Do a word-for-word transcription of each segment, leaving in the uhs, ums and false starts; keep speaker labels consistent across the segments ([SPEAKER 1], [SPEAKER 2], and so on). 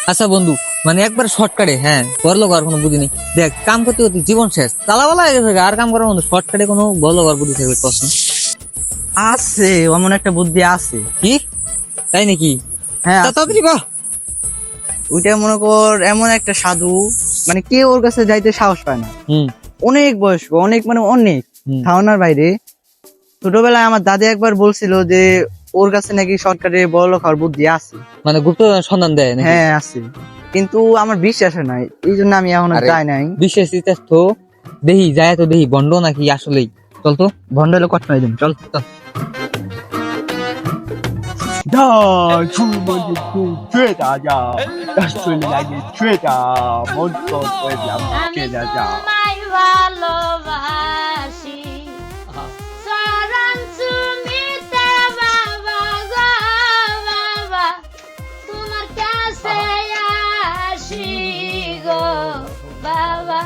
[SPEAKER 1] আচ্ছা বন্ধু, মানে একবার শর্টকাটে, হ্যাঁ বড়লোক আর কোনো বুদ্ধি নেই। দেখ, কাম করতে করতে জীবন শেষ, তালাবালা হয়ে গেছে, আর কাম করার মতো শর্টকাটে কোনো বড়লোক আর বুদ্ধি থাকবে প্রশ্ন
[SPEAKER 2] আছে, এমন একটা বুদ্ধি আছে।
[SPEAKER 1] কি? তাই নাকি?
[SPEAKER 2] হ্যাঁ
[SPEAKER 1] তা
[SPEAKER 2] আছে।
[SPEAKER 1] তাড়াতাড়ি কহ।
[SPEAKER 2] ওইটা মনে কর এমন একটা সাধু, মানে কেউ ওর কাছে যাইতে সাহস পায় না।
[SPEAKER 1] হুম
[SPEAKER 2] অনেক বয়স্ক, অনেক মানে অনেক
[SPEAKER 1] হুম।
[SPEAKER 2] ধারণার বাইরে। ছোটবেলায় আমার দাদি একবার বলছিল যে ওর কাছে নাকি সরকারে বড়লোক হওয়ার বুদ্ধি আছে।
[SPEAKER 1] মানে গুপ্ত সন্ধান দেয় নাকি?
[SPEAKER 2] হ্যাঁ আছে, কিন্তু আমার বিশ্বাস হয় নাই, এই জন্য আমি এখনো
[SPEAKER 1] আরে,
[SPEAKER 2] যাই নাই।
[SPEAKER 1] বিশেষ ইতিহাস তো দেহি যায়, তো দেহি বন্ড নাকি আসলেই। চল তো।
[SPEAKER 2] ভণ্ড হলে কষ্ট হয়ে যাবে, চল।
[SPEAKER 1] চল।
[SPEAKER 3] 다 주머니 또 죄다자 다소리 나게 죄다 먼저 죄다
[SPEAKER 4] আমি
[SPEAKER 3] 죄다자
[SPEAKER 4] তোমায় ভালোবাসি চরণ চুমিতে বাবা গো বাবা তোমার কাছে আসি গো বাবা।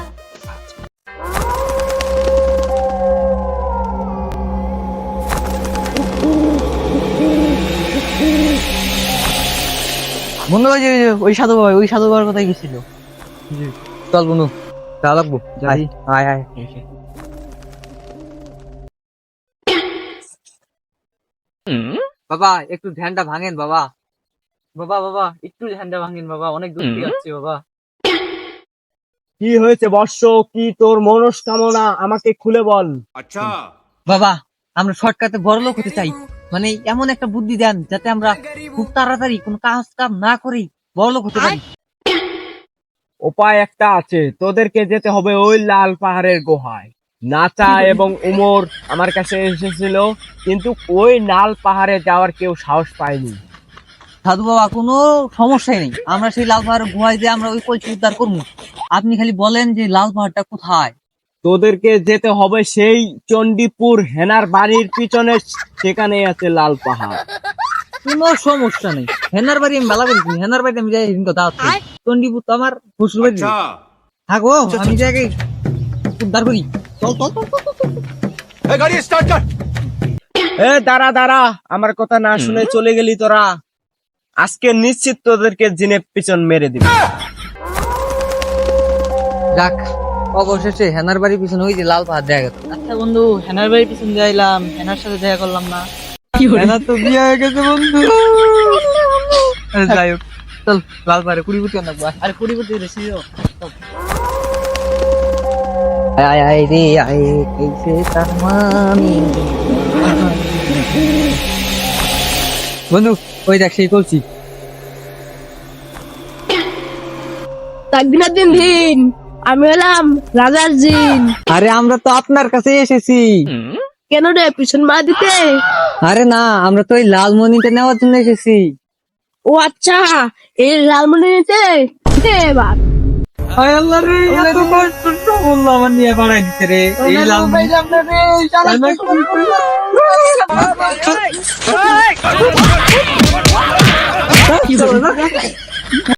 [SPEAKER 2] বন্ধু ওই যে ওই যে ওই সাধু বাবা, ওই সাধু বাবার কথাই গেছিল।
[SPEAKER 1] চল বন্ধু, যা লাগবো।
[SPEAKER 2] যাই।
[SPEAKER 1] আয় আয়। বাবা একটু ধ্যানটা ভাঙেন বাবা। বাবা বাবা একটু ধ্যানটা ভাঙেন বাবা, অনেক দূর থেকে আসছে বাবা।
[SPEAKER 3] কি হয়েছে বর্ষ? কি তোর মনস্কামনা আমাকে খুলে বল।
[SPEAKER 1] বাবা, আমরা শর্টকাটে বড় লোক হতে চাই, মানে এমন একটা বুদ্ধি দেন যাতে আমরা খুব তাড়াতাড়ি কোনো কাজ কাম না করেই বড় লোক হতে পারি।
[SPEAKER 3] উপায় একটা আছে, তোদেরকে যেতে হবে ওই লাল পাহাড়ের গুহায়। নাচা এবং উমর আমার কাছে এসেছিল, কিন্তু ওই লাল পাহাড়ে যাওয়ার কেউ সাহস পায়নি।
[SPEAKER 1] সাধু বাবা, কোনো সমস্যাই নেই, আমরা সেই লাল পাহাড়ের গুহায় যে আমরা ওই কলসি উদ্ধার করবো। আপনি খালি বলেন যে লাল পাহাড়টা কোথায়।
[SPEAKER 3] তোদেরকে যেতে হবে সেই চণ্ডীপুর হেনার বাড়ির পিছনে, সেখানে আছে লাল পাহাড়।
[SPEAKER 1] কোনো সমস্যা নেই, হেনার বাড়ি আমি ভালো করেছি, হেনার বাড়িতে আমি যাই কথা আছে। চণ্ডীপুর তো আমার শ্বশুর বাড়ি। থাকো, আমি যাকে উদ্ধার করি। চল চল চল চল, চল।
[SPEAKER 3] এ দাঁড়া দাঁড়া, আমার কথা না শুনে চলে গেলি তোরা। আজকে নিশ্চিত তোদেরকে জিনে পিছন মেরে দিবি।
[SPEAKER 1] যাক, অবশেষে হেনার বাড়ির পিছনে ওই যে লাল পাহাড় দেখা গেল।
[SPEAKER 2] আচ্ছা বন্ধু, হেনার বাড়ির পিছনে যাইলাম, হেনার সাথে দেখা করলাম না।
[SPEAKER 1] হেনার তো বিয়ে হয়ে গেছে বন্ধু। আরে যাই হোক, চল লাল পাহাড়ে কুড়ি ফুটি আনবো।
[SPEAKER 2] আরে কুড়ি কোটি রেসি
[SPEAKER 1] আয় আয় রে আয়, कैसे তারমানি। বন্ধু ওই দেখ সেই কলসি।
[SPEAKER 5] তাকদিনের দিন দিন আমি হলাম রাজার জিন।
[SPEAKER 1] আরে আমরা তো আপনার কাছে এসেছি।
[SPEAKER 5] কেন রে, পিছন মা দিতে?
[SPEAKER 1] আরে না, আমরা তো ওই লালমণিটা নেওয়ার জন্য এসেছি।
[SPEAKER 5] ও আচ্ছা, এই লালমনি নিতে দে এবার।
[SPEAKER 1] আয় আল্লাহ রে, এত কষ্ট তো বললাম, আমার নিয়ে বাড়াই দিতে রে এই লালমণি।
[SPEAKER 5] কি হলো?